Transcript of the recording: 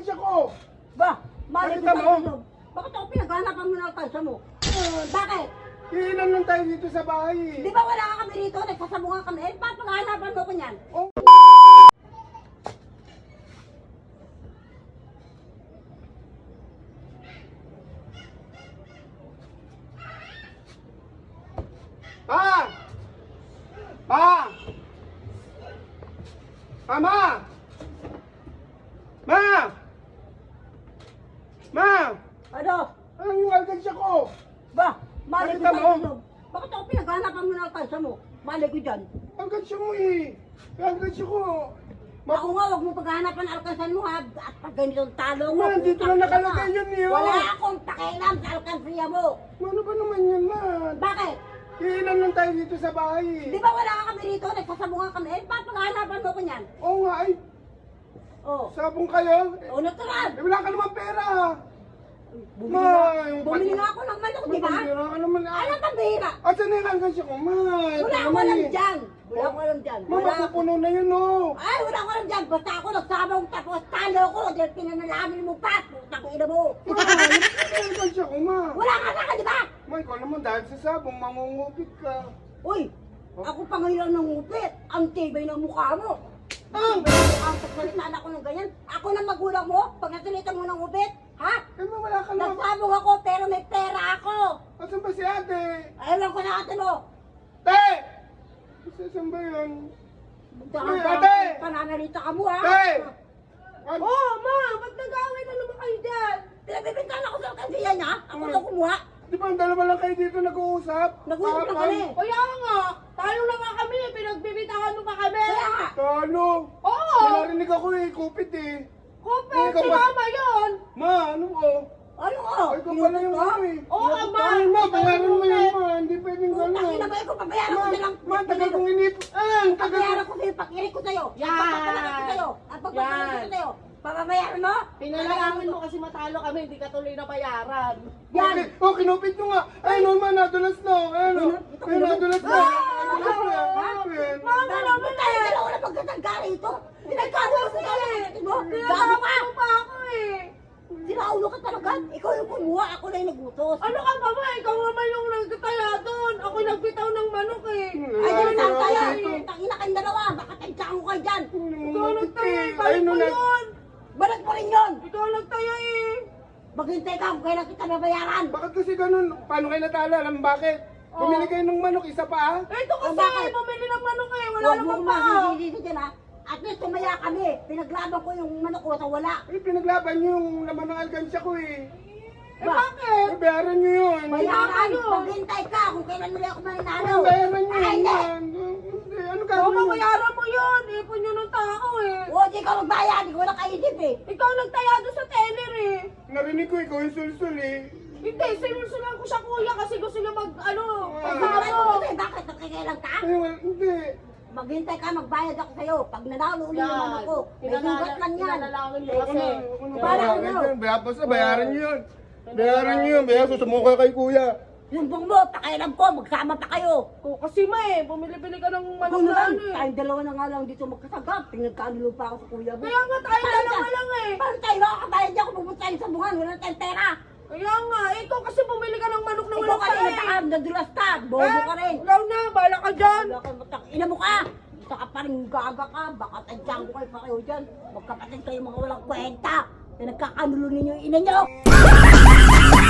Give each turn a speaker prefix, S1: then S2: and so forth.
S1: alkansya ko.
S2: Ba, mali
S1: Nakita
S2: kita
S1: mo?
S2: mo? Bakit ako pinaghanapan mo ng alkansya mo? Bakit?
S1: Iilan lang tayo dito sa bahay eh.
S2: Di ba wala ka kami rito? Nagsasabungan kami. Eh, bakit paghahanapan mo ko niyan?
S1: Oh. Pa! Pa! Mama! Ma! Ma!
S2: Ano?
S1: Anong yung alkansya ko?
S2: Ba, mali
S1: Nakita
S2: kita
S1: mo?
S2: mo? Bakit ako pinaghanapan mo ng alkansya mo? Mali ko dyan.
S1: Alkansya mo eh. Yung alkansya ko.
S2: Ako nga, huwag mo paghahanapan ng alkansya mo ha. At pag ganitong talo mo.
S1: Ma, dito lang nakalagay yun eh.
S2: Wala
S1: Oh.
S2: akong pakialam sa alkansya mo.
S1: Ano ba naman yun, ma?
S2: Bakit?
S1: Iilan lang tayo dito sa bahay eh.
S2: Di ba wala ka kami rito? Nagsasabungan kami. Eh, bakit paghahanapan mo ko niyan?
S1: Oo nga ay.
S2: Oh.
S1: Sabong kayo?
S2: O, natural.
S1: Eh, wala ka naman pera.
S2: Bumili nga ako ng manok, di ba?
S1: Pambira ka naman.
S2: Ano pang bihira?
S1: Asan na yung alkansya ko, ma?
S2: Wala akong alam dyan. Wala akong alam dyan.
S1: Ma, mapupuno na yun, oh.
S2: Ay, wala akong alam dyan. Basta ako nagsabong tapos talo ko. Dahil pinanalamin mo pa. Puta ko ina mo.
S1: Ma, ano yung alkansya ko, ma?
S2: Wala ka na ka, di ba?
S1: Ma, ikaw naman dahil sa sabong, mangungupit ka.
S2: Uy, ako pa ngayon ang nangupit. Ang tibay ng mukha mo.
S1: Ah!
S2: Ang pagsalitaan ako ng ganyan. Ako na magulang mo. Pag nasalitan mo ng upit. Ha?
S1: Eh, ma, wala ka naman.
S2: Nagsabong ako pero may pera ako.
S1: Asan ba si ate?
S2: Ayaw ko na ate mo.
S1: Te! Asan ba yun?
S2: Saan
S1: Ate!
S2: pananalita ka mo ha?
S1: Te!
S2: Oh, ma! Ba't nag-away na naman kayo dyan? Pinagbibintan ako sa alkansiya niya. Ako na kumuha.
S1: Di ba ang dalawa lang kayo dito nag-uusap?
S2: Nag-uusap na
S1: Kahapon?
S2: kami.
S3: Kaya nga, tayo na nga kami, pinagbibitahan mo pa kami.
S2: Kaya nga.
S1: Talo!
S3: Oo,
S1: May narinig ako eh, kupit eh.
S3: kupe,
S1: Ikaw
S3: si
S1: ba?
S3: mama yun.
S1: Ma, ano ko?
S2: Ano ko?
S1: Ay, ikaw pala yung ano eh.
S3: Oo, ma.
S1: Ay, ma,
S3: Ikaw
S1: bayaran
S3: yung
S1: mo yan,
S3: kupit.
S1: ma. Hindi pwedeng
S2: Putang
S1: gano'n.
S2: ina ba ko? Pabayaran ko na lang.
S1: Ma, tagal kong inip. Ang tagal
S2: Pabayaran
S1: ko.
S2: ko sa'yo. Pakinig ko sa'yo.
S3: Yan.
S2: Ang pagpapalaki ko sa'yo. Ang pagpapalaki ko
S3: Yan.
S2: sa'yo. Papabayaran mo?
S3: Pinalangin mo kasi matalo kami, hindi ka tuloy na bayaran.
S2: Yan.
S1: Okay, oh, kinupit nyo nga. Ay, no, ma, nadulas na. Ayun, oh. Ayun, nadulas na. Nadulas na. Ayun.
S2: Mama naman tayo. Dalawa na pagkatangga rito. Pinagkagawa ko tayo. Gago
S3: Pinalangin
S2: ka.
S3: mo pa ako eh.
S2: Sinaulo ka talaga. Ikaw yung kumuha. Ako na yung nagutos.
S3: Ano ka ba ba? Ikaw naman yung nagkataya doon. Ako nagbitaw ng manok eh.
S2: Ay,
S1: Ay,
S2: dyan saan
S1: no,
S2: tayo?
S1: dito.
S2: Tangina kayong dalawa. Baka tansyakan ko kayo dyan.
S3: Ikaw nagtaya eh.
S1: Ayun,
S3: Balik
S1: no,
S3: mo yun.
S2: Balat mo rin yun.
S3: Ikaw nagtaya eh.
S2: Maghintay ka kung kailan kita babayaran.
S1: Bakit kasi ganun? Paano kayo natalo? Alam bakit? Bumili kayo ng manok, isa pa ah.
S3: Ito kasi,
S2: bakit?
S3: bumili ng manok eh. Wala
S2: Huwag
S3: naman
S2: mong
S3: pa.
S2: masisisi dyan ha. At least tumaya kami. Pinaglaban ko yung manok ko sa wala.
S1: Eh, pinaglaban nyo yung laman ng alkansya ko eh.
S3: Eh bakit?
S1: Eh, bayaran nyo yun.
S2: Bayaran.
S3: Ano?
S2: Maghintay ka kung kailan muli ako mananalo.
S1: Eh, bayaran nyo
S2: Ay, hindi.
S1: yun. Hindi, ano
S3: Oo,
S1: gagawin nyo?
S3: mabayaran mo yun. Ipon yun ng tao eh.
S2: O, di ka magbayad. Di ko na kaisip eh.
S3: Ikaw nagtaya doon sa teller eh.
S1: Narinig ko ikaw yung sulsul eh.
S3: Hindi, sinulsulan ko siya kuya kasi gusto niya mag,
S2: Bakit
S3: pagsamo.
S2: Bakit? Nakikailan ka?
S1: Ay, hindi.
S2: Maghintay ka, magbayad ako sa'yo. Pag nanalo uli yung manok ko, may sugat lang yan.
S3: Pinanalangin mo
S1: Ako
S3: kasi.
S1: na, ako na.
S2: Para
S1: Bayaran
S2: ano?
S1: yun. Basta bayaran nyo yun. Bayaran nyo yun. Bayaran, susumuka kay kuya.
S2: Yung bong mo, pakialam ko, magsama pa kayo.
S3: Kasi ma eh, bumili-bili ka ng manok
S2: Ano
S3: na
S2: naman,
S3: ano eh.
S2: tayong dalawa na nga lang dito magkasagap. Pinagkanulo pa ako sa kuya mo.
S3: Kaya nga tayo dalawa lang eh.
S2: Paano tayo makakabayad niya kung pupunta tayo sa bungan? Wala tayong pera.
S3: Kaya nga, ikaw kasi bumili ka ng manok na
S2: Ikaw
S3: walang
S2: ka rin,
S3: pera
S2: natakam, nadulas ka. Bobo ka rin.
S3: Ikaw na, bala ka dyan.
S2: Wala kang matak. Ina mo ka. Gusto ka pa rin gaga ka. Baka tadyang ko kayo pa kayo dyan. Magkapatid kayo mga walang kwenta. Na nagkakanulo ninyo yung ina nyo.